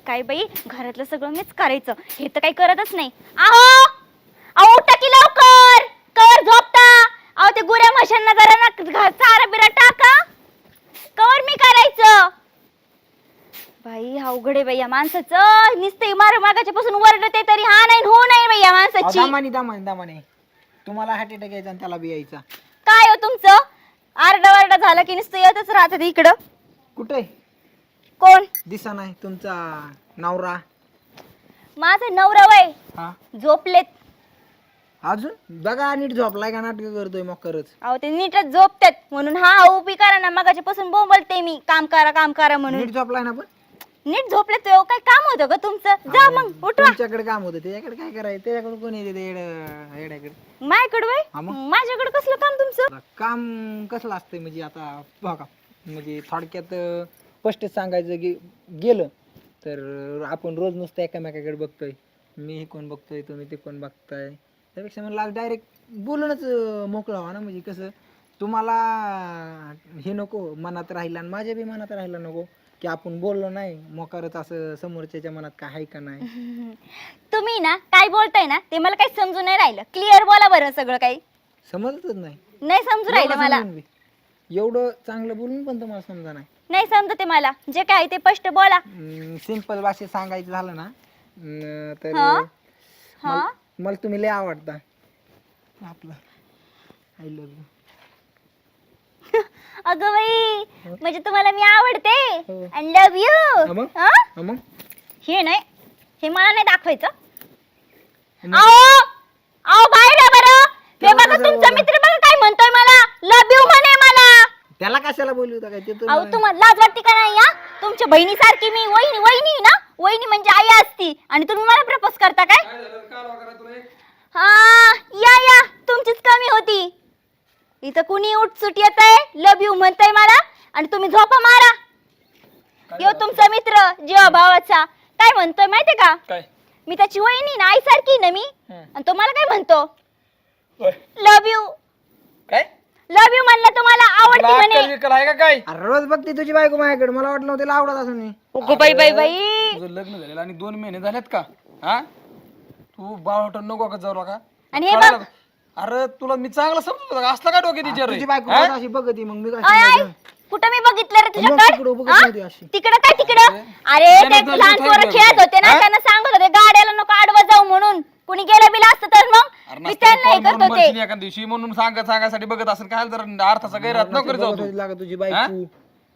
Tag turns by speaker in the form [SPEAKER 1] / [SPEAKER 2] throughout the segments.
[SPEAKER 1] काय बाई घरातलं सगळं मीच करायचं, हे तर काही करतच नाही. आहो अहो उठा की लवकर, कवर झोपता. अहो ते गुऱ्या म्हशांना जरा ना चारा बिरा टाका, कवर मी करायचं. बाई अवघड आहे बाई या माणसाचं, नुसते मागाच्या पासून वरडते तरी हा नाही हो नाही बाई या माणसाची.
[SPEAKER 2] दामाने तुम्हाला हार्ट अटॅक यायचा आणि त्याला बी यायचा.
[SPEAKER 1] काय हो तुमचं, आरडा झाला की नुसतं येतच राहतात इकडं.
[SPEAKER 2] कुठे
[SPEAKER 1] कोण
[SPEAKER 2] दिसा नाही तुमचा नवरा?
[SPEAKER 1] माझा नवरा वय
[SPEAKER 2] हा
[SPEAKER 1] झोपलेत.
[SPEAKER 2] अजून बघा नीट झोपलाय का नाटक करतोय मग करच.
[SPEAKER 1] अहो ते नीटच झोपतात म्हणून हा उभी करा ना, मगाच्या पासून बोंबलते मी काम करा म्हणून.
[SPEAKER 2] नीट झोपलाय ना पण
[SPEAKER 1] नीट झोपले तो काय काम होतं का तुमचं? जा मग उठवा.
[SPEAKER 2] तुमच्याकडे काम होतं त्याच्याकडे काय करायचं? त्याच्याकडे कोण येते येड्याकडे?
[SPEAKER 1] माझ्याकडे वय
[SPEAKER 2] हा मग?
[SPEAKER 1] माझ्याकडे कसलं काम तुमचं?
[SPEAKER 2] काम कसलं असतंय म्हणजे आता बघा, म्हणजे थोडक्यात स्पष्ट सांगायचं की गेलं तर आपण रोज नुसतं एकामेकाकडे बघतोय, मी हे कोण बघतोय तुम्ही ते कोण बघताय, त्यापेक्षा मला डायरेक्ट बोलूनच मोकळं व्हा ना. म्हणजे कसं तुम्हाला हे नको मनात राहिलं आणि माझ्या बी मनात राहिलं नको की आपण बोललो नाही मोकारच असं समोरच्याच्या मनात काय आहे का नाही.
[SPEAKER 1] तुम्ही ना काय बोलताय ना ते मला काही समजून नाही राहिलं. क्लिअर बोला बरं, सगळं काही
[SPEAKER 2] समजतच नाही.
[SPEAKER 1] नाही समजून राहिलं मला.
[SPEAKER 2] एवढं चांगलं बोलून पण तुम्हाला समजा नाही.
[SPEAKER 1] नाही समजते मला, जे काय ते स्पष्ट बोला.
[SPEAKER 2] सिंपल भाषेत सांगायचं झालं ना तर
[SPEAKER 1] हा
[SPEAKER 2] मला तुम्ही लय आवडता. आपलं आय लव्ह यू.
[SPEAKER 1] अगं बाई म्हणजे तुम्हाला मी आवडते
[SPEAKER 2] हो.
[SPEAKER 1] आणि लव्ह यू.
[SPEAKER 2] मग
[SPEAKER 1] हे नाही, हे मला नाही दाखवायचं. आओ आओ बाहेर या बरं. हे बघा तुमचा मित्र बघा काय म्हणतोय, मला लव्ह यू म्हणे मला.
[SPEAKER 2] त्याला कशाला बोलू होता काय ते?
[SPEAKER 1] अहो तुम्हाला लाज वाटते का नाही? या तुमच्या बहिणीसारखी मी वहिनी ना, वहिनी म्हणजे आई असती आणि तुम्ही मला प्रपोज करता काय? हा या तुमचीच कमी होती. इथं कुणी उठसूट येत आहे, लव्ह यू म्हणताय मला आणि तुम्ही झोपा मारा. यो तुमचा मित्र जीवा भावाचा काय म्हणतोय माहितीये का?
[SPEAKER 3] काय?
[SPEAKER 1] मी त्याची वहिनी ना, आई सारखी ना मी. आणि तो मला काय म्हणतो, लव्ह यू.
[SPEAKER 3] काय
[SPEAKER 1] लव्ह यू म्हणलं तुम्हाला आवडती म्हणे.
[SPEAKER 3] विकल आहे का काय?
[SPEAKER 2] अरे रोज बघते तुझी बायको माझ्याकडे, मला वाटलं नव्हतं तिला आवडत असं.
[SPEAKER 1] अगो बाई बाई बाई,
[SPEAKER 3] तुझं लग्न झालेलं आणि 2 महिने झालेत का? हा तू बावट नको का जाऊ का?
[SPEAKER 1] आणि हे बघ
[SPEAKER 3] अरे तुला मी चांगलं समजतो का? असला काय डोक्यात विचार
[SPEAKER 2] तुझी बायको रोज अशी बघती मग मी काय
[SPEAKER 1] आय
[SPEAKER 2] सांगायचं?
[SPEAKER 1] कुठं मी बघितलं रे
[SPEAKER 2] तिकडं बघत नव्हती
[SPEAKER 1] तुझ्याकडे?
[SPEAKER 2] अशी.
[SPEAKER 1] तिकडं काय तिकडं? अरे ते लहान पोरं खेळत होते ना, त्यांना सांगत होते गाड्याला नको आडवं जाऊ म्हणून. कुणी गेलं बिला असतं तर मग मी त्यांना हे करत होते.
[SPEAKER 3] एका दिवशी म्हणून सांगायसाठी बघत असेल काय जर अर्थाचा गैरअर्थ नको जाऊ
[SPEAKER 2] बघत
[SPEAKER 3] तू.
[SPEAKER 2] होती लागा तुझी बायको.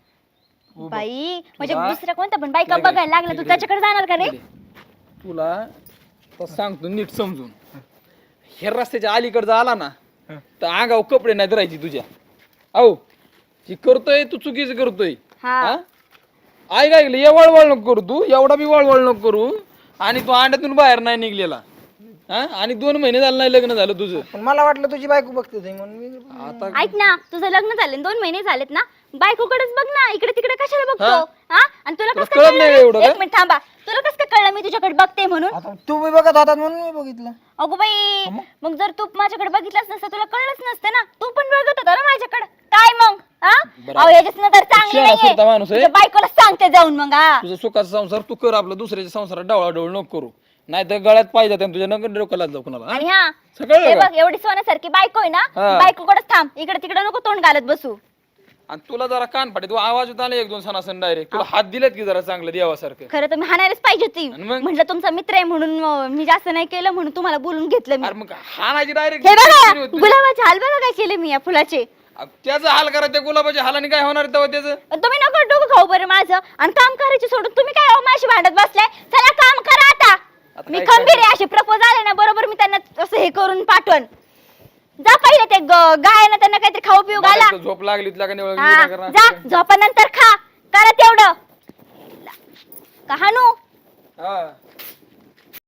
[SPEAKER 1] बाई म्हणजे दुसऱ्या कोणत्या पण बायका बघायला लागला तू त्याच्याकडे जाणार का रे?
[SPEAKER 3] तुला तर सांगतो नीट समजून, हे रस्त्याच्या अलीकडे आला ना तर अंगावर कपडे नाही धरायची तुझ्या. अहो जी करतोय तू चुकीचं करतोय.
[SPEAKER 1] हा
[SPEAKER 3] ऐक ऐकलं, ये वळवळ नको करू तू, एवढा बी वळवळ नको करू. आणि तू अंड्यातून बाहेर नाही निघलेला. आणि 2 महिने झालं नाही लग्न झालं तुझं.
[SPEAKER 2] पण मला वाटलं तुझी बायको बघते ते म्हणून मी.
[SPEAKER 3] आता
[SPEAKER 1] ऐक ना, तुझं लग्न झालं 2 महिने झालेत ना, बायकोकडेच बघ ना, इकडे तिकडे कशाला बघतो? हा आणि तुला कसं
[SPEAKER 3] कळत नाही
[SPEAKER 1] कळलं?
[SPEAKER 3] एवढं का?
[SPEAKER 1] एक मिनिट थांबा, तुला कसं काय कळलं मी तुझ्याकडे बघते म्हणून?
[SPEAKER 2] आता तुम्ही बघत होतात म्हणून मी बघितलं.
[SPEAKER 1] अगो बाई मग जर तू माझ्याकडे बघितलंच नसतं तुला कळलंच नसतं ना. तू पण बघत होता ना माझ्याकडे, काय मग? अहो याच्याच नजर चांगली
[SPEAKER 3] शिळा माणूस आहे.
[SPEAKER 1] नाहीये. बायकोला सांगते जाऊन मग. हा
[SPEAKER 3] तुझा सुखाचा संसार तू कर, आपला दुसऱ्याच्या संसारात डावळाडोळ नको करू, नाही तर गळ्यात पाहिजे तुझ्या नगर डोक्याला जाऊ कुणाला.
[SPEAKER 1] आणि हा
[SPEAKER 3] सगळं
[SPEAKER 1] हे
[SPEAKER 3] बघा.
[SPEAKER 1] बघ एवढी सोन्यासारखी बायको आहे ना,
[SPEAKER 3] हा.
[SPEAKER 1] बायकोकडेच थांब, इकडे तिकडे नको तोंड घालत बसू.
[SPEAKER 3] आणि तुला जरा कान फाटे, तू आवाज होता 1-2 सणासन डायरेक्ट तुला हात दिलेत की जरा चांगलं देवासारखं.
[SPEAKER 1] खरं तर मी हाणायलाच पाहिजे होती,
[SPEAKER 3] आणि मग?
[SPEAKER 1] म्हटलं तुमचा मित्र आहे म्हणून मी जास्त नाही केलं म्हणून तुम्हाला बोलून घेतलं मी.
[SPEAKER 3] अरे मग हाणायची डायरेक्ट.
[SPEAKER 1] हे बघा गुलाबाचे हाल बघा काय केले मी या फुलाचे.
[SPEAKER 3] त्याचं हाल करा, त्या गुलाबाच्या हालाने काय होणार तेव्हा त्याचं?
[SPEAKER 1] तुम्ही नको डोकं खाऊ बरं माझं, आणि काम करायचे सोडून तुम्ही काय अहो माझी भांडत बसलाय. चला काम करा आता. मी
[SPEAKER 3] काय
[SPEAKER 1] खंबीर आहे, असे प्रपोज आले ना बरोबर मी त्यांना असं हे करून पाठवण. जा पहिले ते गायना त्यांना काहीतरी खाऊ पिऊ घाला.
[SPEAKER 3] मला झोप लागली तुला का नाही?
[SPEAKER 1] हा,
[SPEAKER 3] विचार करा.
[SPEAKER 1] जा झोपानंतर खा, करा तेवढं. कहाणू
[SPEAKER 3] हा